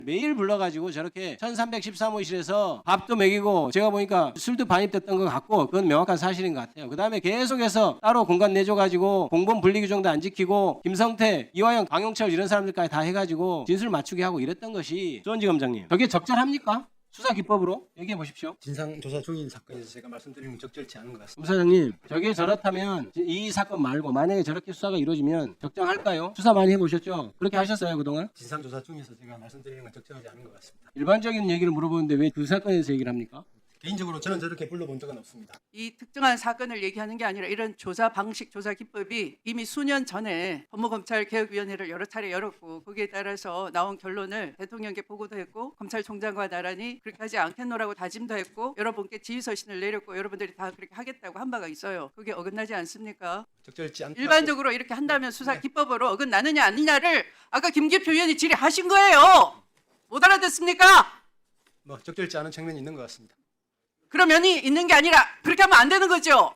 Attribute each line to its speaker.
Speaker 1: 매일 불러가지고 저렇게 1313호실에서 밥도 먹이고 제가 보니까 술도 반입됐던 것 같고 그건 명확한 사실인 것 같아요. 그 다음에 계속해서 따로 공간 내줘가지고 공범 분리 규정도 안 지키고 김성태, 이화영, 강용철 이런 사람들까지 다 해가지고 진술 맞추게 하고 이랬던 것이 조원지검장님 저게 적절합니까? 수사 기법으로 얘기해 보십시오.
Speaker 2: 진상조사 중인 사건에서 제가 말씀드리는 건 적절치 않은 것 같습니다.
Speaker 1: 검사장님, 저게 저렇다면 이 사건 말고 만약에 저렇게 수사가 이루어지면 적정할까요? 수사 많이 해보셨죠? 그렇게 하셨어요 그동안?
Speaker 2: 진상조사 중에서 제가 말씀드리는 건 적절하지 않은 것 같습니다.
Speaker 1: 일반적인 얘기를 물어보는데 왜 그 사건에서 얘기를 합니까?
Speaker 2: 개인적으로 저는 저렇게 불러본 적은 없습니다.
Speaker 3: 이 특정한 사건을 얘기하는 게 아니라 이런 조사 방식, 조사 기법이 이미 수년 전에 법무검찰개혁위원회를 여러 차례 열었고 거기에 따라서 나온 결론을 대통령께 보고도 했고 검찰총장과 나란히 그렇게 하지 않겠노라고 다짐도 했고 여러분께 지휘서신을 내렸고 여러분들이 다 그렇게 하겠다고 한 바가 있어요. 그게 어긋나지 않습니까?
Speaker 2: 적절치 않다.
Speaker 3: 일반적으로 이렇게 한다면 수사 기법으로 어긋나느냐 아니냐를 아까 김기표 의원이 질의하신 거예요. 못 알아듣습니까?
Speaker 2: 적절치 않은 측면이 있는 것 같습니다.
Speaker 3: 그런 면이 있는 게 아니라 그렇게 하면 안 되는 거죠.